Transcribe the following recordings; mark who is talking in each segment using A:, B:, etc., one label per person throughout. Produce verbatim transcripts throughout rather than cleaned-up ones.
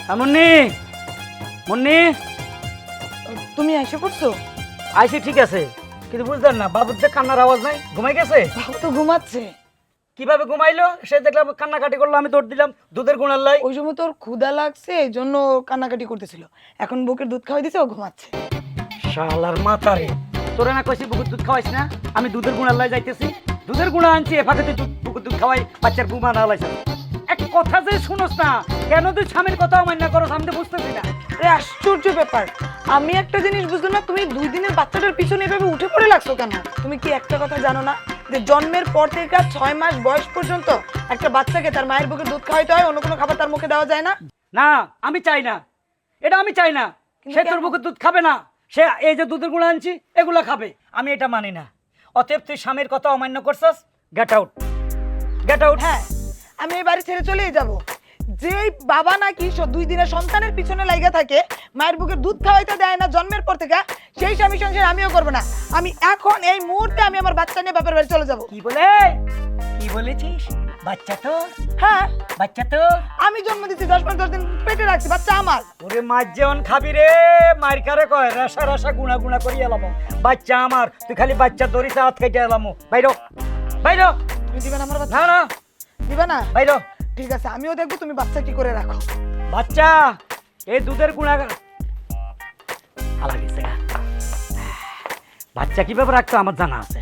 A: মুন্নি মুন্নি
B: তুমি এসে পড়ছো?
A: আইসি ঠিক আছে, কিন্তু বুঝলেন না বাবুর যে কান্নার আওয়াজ নাই, ঘুমাই গেছে?
B: বাবু তো ঘুমাচ্ছে।
A: কিভাবে ঘুমাইলো? সে দেখলাম কান্নাকাটি করলো, আমি দৌড় দিলাম দুধের গুণার লাই।
B: ওই সময় তোর ক্ষুধা লাগছে এই জন্য ও কান্নাকাটি করতেছিল, এখন বুকের দুধ খাওয়াই দিছে, ও ঘুমাচ্ছে।
A: শালার মাথারে, তোরে না কইছি বুকের দুধ খাওয়াইস না? আমি দুধের গুণার লাই যাইতেছি, দুধের গুণা আনছি, এ ফাঁকে তুই দুধ বুকের দুধ খাওয়াই বাচ্চার ঘুমা না লাইছ। এক কথা যে শুনোস না, কেন তুই স্বামীর কথা অমান্য করো আমি তো বুঝতেছি না।
B: আরে আশ্চর্য ব্যাপার, আমি একটা জিনিস বুঝলাম না, তুমি দুই দিনের বাচ্চাটার পিছনে এভাবে উঠে পড়ে লাগছো কেন? তুমি কি একটা কথা জানো না যে জন্মের পর থেকে ছয় মাস বয়স পর্যন্ত একটা বাচ্চাকে তার মায়ের বুকের দুধ খাওয়াইতে হয়, অন্য কোনো খাবার তার মুখে দেওয়া যায় না?
A: না আমি চাই না, এটা আমি চাই না।
B: কিন্তু
A: সে তোর
B: কেন?
A: বুকের দুধ খাবে না, সে এই যে দুধের গুঁড়া আনছি এগুলা খাবে, আমি এটা মানি না। অতএব তুই স্বামীর কথা অমান্য করছস, গেট আউট, গেট আউট।
B: হ্যাঁ, আমি এই বাড়ি ছেড়ে চলেই যাব। যেই বাবা নাকি স- দুই দিনের সন্তানের পিছনে লাগা থাকে, মায়ের বুকের দুধ খাওয়াইতে দেয় না জন্মের পর থেকে, সেই স্বামী সংসার আমিও করবো না। আমি এখন এই মুহূর্তে আমি আমার বাচ্চা নিয়ে বাপের বাড়ি চলে যাব।
A: কি বলে, কি বলেছিস? বাচ্চা তো,
B: হ্যাঁ,
A: বাচ্চা তো
B: আমি জন্ম দিচ্ছি, দশ মাস দশ দিন পেটে রাখছি, বাচ্চা আমার।
A: ওরে মাছ যেমন খাবি রে, মার কারে কয় রাসা রাসা গুনা গুনা করি এলাম, বাচ্চা আমার, তুই খালি বাচ্চা ধরিস হাত কেটে এলাম। বাইরো বাইরো,
B: তুমি দিবে না আমার বাচ্চা?
A: না না
B: দিবে না?
A: বাইরো।
B: ঠিক আছে, আমিও দেখবো তুমি বাচ্চা কি করে রাখো।
A: বাচ্চা এই দুধের গুণা আলা গেছে গা। বাচ্চা কিভাবে রাখতো আমার জানা আছে।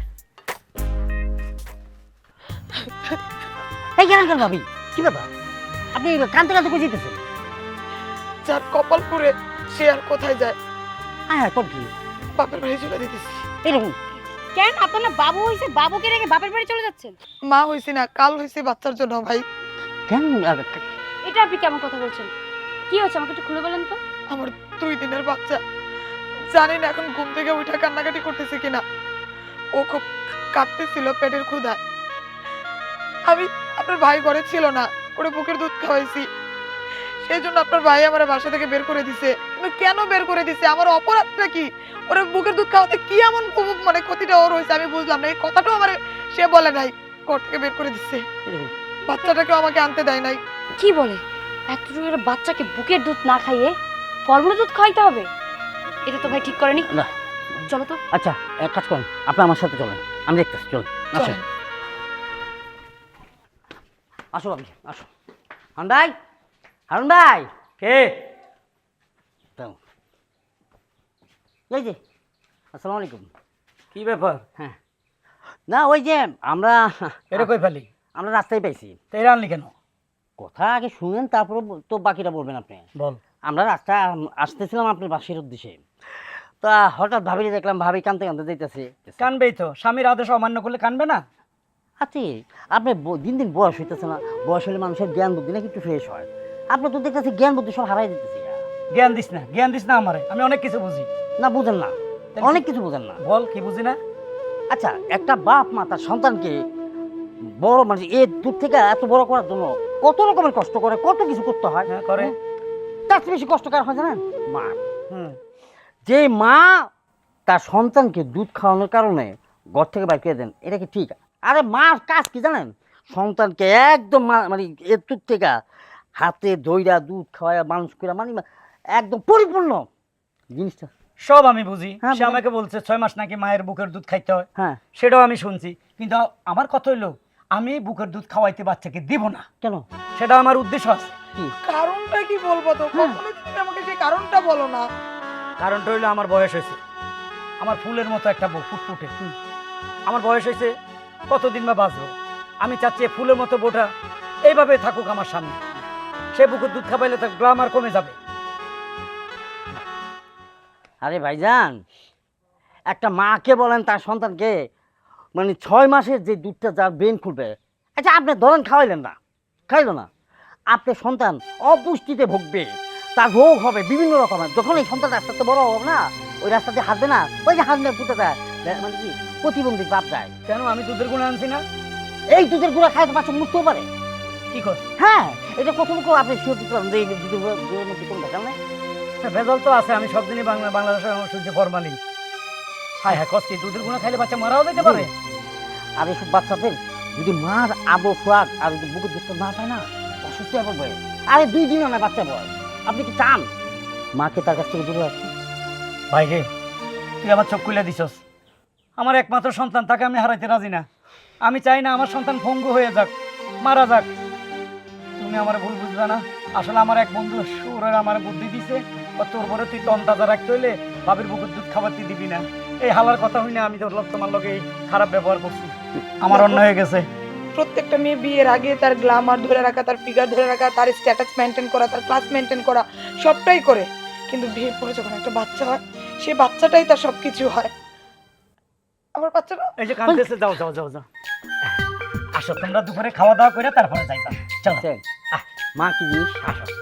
A: এই কেন ভাবি, কি ব্যাপার? আপনি কানতে কানতে কই যেতেছেন?
B: যার কপাল পুরে সে আর কোথায় যায়,
A: হ্যাঁ হ্যাঁ, তোর কি
B: বাপের বাড়ি চলে দিতেছি।
A: এরকম?
C: কেন আপনার না বাবু হইছে, বাবুকে রেখে বাপের বাড়ি চলে যাচ্ছেন?
B: মা হইছি না, কাল হইছি বাচ্চার জন্য ভাই।
A: কেন?
C: এটা আপনি কেমন কথা বলছেন? কি হচ্ছে আমাকে একটু খুলে বলেন তো।
B: আমার দুই দিনের বাচ্চা, জানি না এখন ঘুম থেকে উঠে কান্নাকাটি করতেছে কিনা। ও খুব কাঁদতেছিল পেটের ক্ষুধায়। আমি, আপনার ভাই ঘরে ছিল না, ওরে বুকের দুধ খাওয়াইছি, সেই জন্য আপনার ভাই আমার বাসা থেকে বের করে দিছে। কিন্তু কেন বের করে দিছে, আমার অপরাধটা কি? ওরে বুকের দুধ খাওয়াতে কি এমন উপ- মানে ক্ষতিটা ওর হয়েছে আমি বুঝলাম না। এই কথাটাও আমার সে বলে নাই, ঘর থেকে বের করে দিচ্ছে। বাচ্চাটাকেও আমাকে আনতে দেয় নাই।
C: কি বলে? এতটুকু একটা বাচ্চাকে বুকের দুধ না খাইয়ে ফর্মুলা দুধ খাইতে হবে? এটা তো ভাই ঠিক করেনি।
A: না।
C: চলো তো।
A: আচ্ছা এক কাজ করেন, আপনি আমার সাথে চলেন, আমি দেখতেছি। চলুন, আসুন।
B: চলেন।
A: আসো আপনি, আসো। হারুন ভাই, হারুন ভাই। কে? দাও। এই যে, আসসালামু আলাইকুম। কি ব্যাপার? হ্যাঁ, না ওই যে আমরা
D: এটা কই ফেলি?
A: আমরা রাস্তায় পাইছি।
D: তো এটা আনলি কেন?
A: কথা আগে শুনেন, তারপরে তো বাকিটা বলবেন আপনি।
D: বল।
A: আমরা রাস্তা আসতেছিলাম আপনার বাসের উদ্দেশ্যে, তা হঠাৎ ভাবিলে দেখলাম ভাবি কানতে কানতে যাইতেছে।
D: কানবেই তো, স্বামীর আদেশ অমান্য করলে কানবে না?
A: আচ্ছা আপনি ব- দিন দিন বয়স হইতেছে না, বয়স হলে মানুষের জ্ঞান বুদ্ধি নাকি একটু ফ্রেশ হয়, আপনি তো দেখতেছি জ্ঞান বুদ্ধি সব হারাই দিতেছে।
D: জ্ঞান দিস না, জ্ঞান দিস না আমারে, আমি অনেক কিছু বুঝি।
A: না বুঝেন না,
D: তাহলে
A: অনেক
D: কি-
A: কিছু বুঝেন না।
D: বল কি বুঝি না?
A: আচ্ছা একটা বাপ মা তার সন্তানকে বড় মানে এ দূর থেকে এত বড় করার জন্য কত রকমের কষ্ট করে, কত কিছু করতে হয়।
D: হ্যাঁ করে।
A: তার চেয়ে বেশি কষ্টকর হয় জানেন মা।
D: হুম।
A: যে মা তার সন্তানকে দুধ খাওয়ানোর কারণে ঘর থেকে বাইর করে দেন, এটা কি ঠিক? আরে মার কাজ কি জানেন? সন্তানকে একদম মা- মানে এর দুধ থেকে হাতে দইরা দুধ খাওয়ায় মানুষ করে মানে একদম পরিপূর্ণ জিনিসটা।
D: সব আমি বুঝি।
A: হ্যাঁ,
D: সে
A: বুঝেন।
D: আমাকে বলছে ছয় মাস নাকি মায়ের বুকের দুধ খাইতে হয়,
A: হ্যাঁ
D: সেটাও আমি শুনছি। কিন্তু আমার কথা হইলো আমি বুকের দুধ খাওয়াইতে বাচ্চাকে দিব না,
A: কেন?
D: সেটা আমার উদ্দেশ্য আছে।
A: কি
B: কারণটা কি বলবো তো? কখনো তুমি আমাকে সেই কারণটা বলো না।
D: কারণটা হইলো আমার বয়স হয়েছে, আমার ফুলের মতো একটা বউ ফুটফুটে। আমার বয়স হয়েছে, কতদিন বা বাঁচবো। আমি চাচ্ছি এই ফুলের মতো বউটা এইভাবে থাকুক আমার সামনে। সে বুকের দুধ খাবাইলে তার গ্লামার কমে যাবে।
A: আরে ভাইজান, একটা মাকে বলেন তার সন্তানকে মানে ছয় মাসের যে দুধটা যার ব্রেন খুলবে, আচ্ছা আপনি ধরেন খাওয়াইলেন না, খাইলো না, আপনার সন্তান অপুষ্টিতে ভুগবে, তার রোগ হবে বিভিন্ন রকমের। যখন এই সন্তান আস্তে আস্তে বড় হবে না, ওই রাস্তাতে হাঁটবে না, ওই যে হাঁটবে পুঁতে যায় মানে কি প্রতিবন্ধী বাপ যায়।
D: কেন? আমি দুধের গুণে আনছি না?
A: এই দুধের গুঁড়া খায় তো বাচ্চা মরতেও পারে।
D: কি কর?
A: হ্যাঁ এটা কতটুকু আপনি শিওর দিতে পারেন যে এই দুধের গুঁড়া- গুঁড়োর মধ্যে কোনো ভেজাল নেই?
D: হ্যাঁ, ভেজাল তো আছে। আমি সব দিনই বাংলা বাংলাদেশের শুনছি ফরমালি। হ্যাঁ হ্যাঁ, কষ্ট দুধের গুণা খাইলে বাচ্চা মারাও যেতে পারে।
A: আর এইসব বাচ্চাদের যদি মার আদর সোয়াগ আর যদি বুকের দুধটা না পায় না, অসুস্থ হয়ে পড়বে। আরে দুই দিনও না বাচ্চা বয়স, আপনি কি চান মাকে তার কাছ থেকে দূরে রাখতে?
D: ভাই রে, তুই আমার চোখ খুলে দিছস। আমার একমাত্র সন্তান, তাকে আমি হারাইতে রাজি না। আমি চাই না আমার সন্তান ভঙ্গু হয়ে যাক, মারা যাক। তুমি আমার ভুল বুঝবে না। আসলে আমার এক বন্ধু সুরের আমার বুদ্ধি দিছে, ও তোর পরে তুই তন তাজা রাখতে হইলে বাবির বুকের দুধ খাবার তুই দিবি না। এই হালার কথা হই না, আমি তোর লোক তোমার লোকে খারাপ ব্যবহার করছি, আমার অন্য হয়ে গেছে।
B: প্রত্যেকটা মেয়ে বিয়ের আগে তার গ্ল্যামার ধরে রাখা, তার ফিগার ধরে রাখা, তার স্ট্যাটাস মেনটেন করা, তার ক্লাস মেনটেন করা, সবটাই করে। কিন্তু বিয়ের পরে যখন একটা বাচ্চা হয়, সেই বাচ্চাটাই তার সবকিছু হয়। আমার বাচ্চাটা
D: এই যে কাঁদতেছে, যাও যাও যাও যাও, আসো তোমরা দুপুরে খাওয়া দাওয়া করে তারপরে যাইবা। চলো
A: আহ, মা কি জিনিস?
D: আসো।